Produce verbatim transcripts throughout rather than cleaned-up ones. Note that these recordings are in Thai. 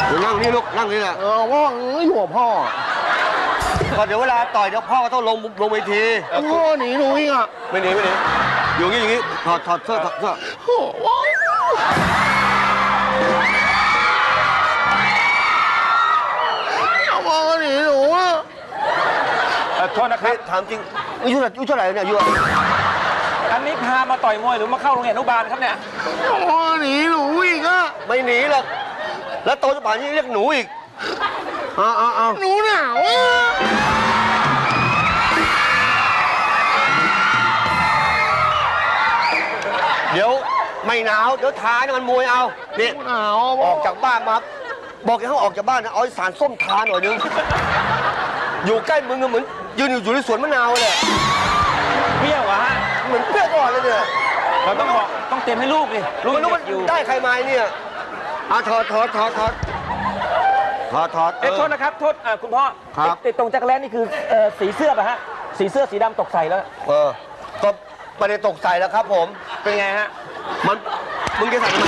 เดี๋ยวนั่งนี่ลูกนั่งนี่แหละเออพ่ออยู่กับพ่อก็เดี๋ยวเวลาต่อยเดี๋ยวพ่อก็ต้องลงลงเวทีพ่อหนีหนูอีกอ่ะไม่หนีไม่หนีอยู่งี้อย่างงี้ถอดถอดเสื้อถอดเสื้อโอ้โหพ่อหนีหนูอ่ะโทษนะครับถามจริงอายุเท่าอายุเท่าไหร่เนี่ยอายุอันนี้พามาต่อยมวยหรือมาเข้าโรงเรียนอนุบาลครับเนี่ยพ่อหนีหนูอีกอ่ะไม่หนีหรอกแล้วโตจะป่านนี้เรียกหนูอีกอ้าวอ้าวหนูหนาวอ่ะเดี๋ยวไม่หนาวเดี๋ยวท้านี่มันมวยเอาเนี่ยหนาวออกจากบ้านมาบอกให้เขาออกจากบ้านนะเอาสารส้มทาหน่อยนึงอยู่ใกล้มึงเหมือนยืนอยู่ในสวนมะนาวเลยเปรี้ยวอะฮะเหมือนเปรี้ยวก่อนเลยเนี่ยเราต้องบอกต้องเต็มให้ลูกดิลูกมันได้ใครมาเนี่ยอ่ะถอดถอดถอดถอดถอดถอดเอ๊ะโทษนะครับโทษคุณพ่อครับติดตรงจักรแลนนี่คือสีเสื้อป่ะฮะสีเสื้อสีดำตกใส่แล้วเออก็ไม่ได้ตกใส่แล้วครับผมเป็นไงฮะมันมึงจะใส่ทำไม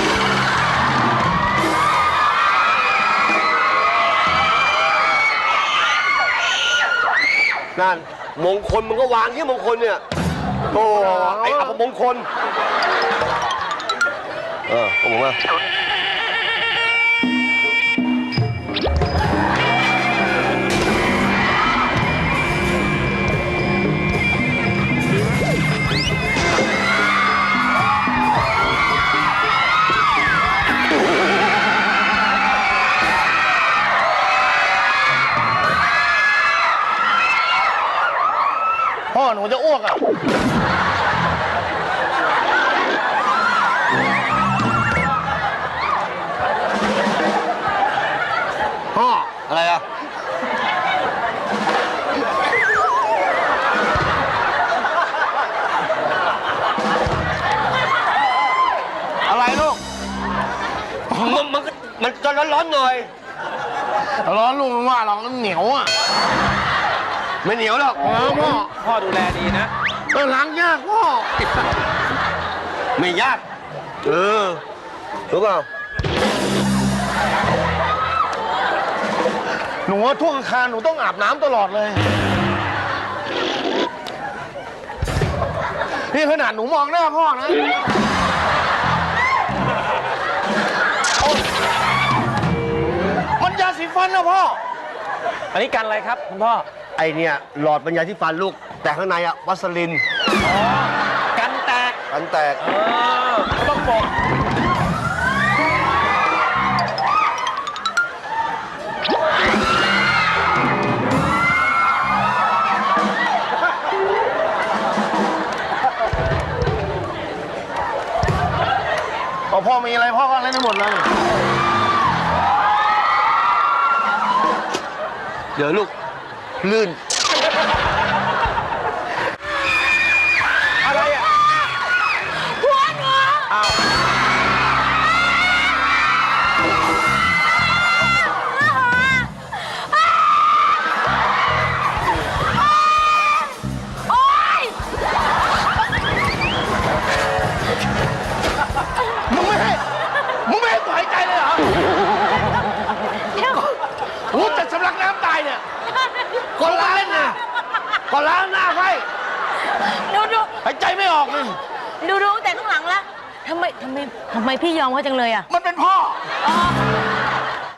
นั่นมงคลมึงก็วางที่มงคลเนี่ยโอ้ไอ้อัปมงคลเออผมว่าพ่อหนูจะอ้วกอ่ะพ่ออะไรอ่ะอะไรลูกมันมันมันจะร้อนๆหน่อยร้อนลุงว่าเราเหนียวอ่ะไม่เหนียวหรอกพ่อพ่อดูแลดีนะเออล้างยากพ่อไม่ยากเออรู้เปล่าหนูว่าทุกอาคารหนูต้องอาบน้ำตลอดเลยนี่ขนาดหนูมองหน้าพ่อนะมันยาสีฟันนะพ่ออันนี้กันอะไรครับคุณพ่อไอเนี่ยหลอดบรรยายที่ฟันลูกแต่ข้างในอะวัสลินอ๋อกันแตกกันแตกเออต้องบอกพอพ่อมีอะไรพ่อก็เล่นได้หมดเลยเดี๋ยวลูกลื่นอะไรอ่ะหัวหนูอ้าวโอ๊ยมึงไม่ให้มึงไม่ให้กูหายใจเลยเหรอกูจะสำลักน้ำตายเนี่ยก่อนล้างนะก่อนล้างหน้าให้ดูดูหายใจไม่ออกเลยดูดูแต่ข้างหลังแล้วทำไมทำไมทำไมพี่ยอมเขาจังเลยอ่ะมันเป็นพ่อ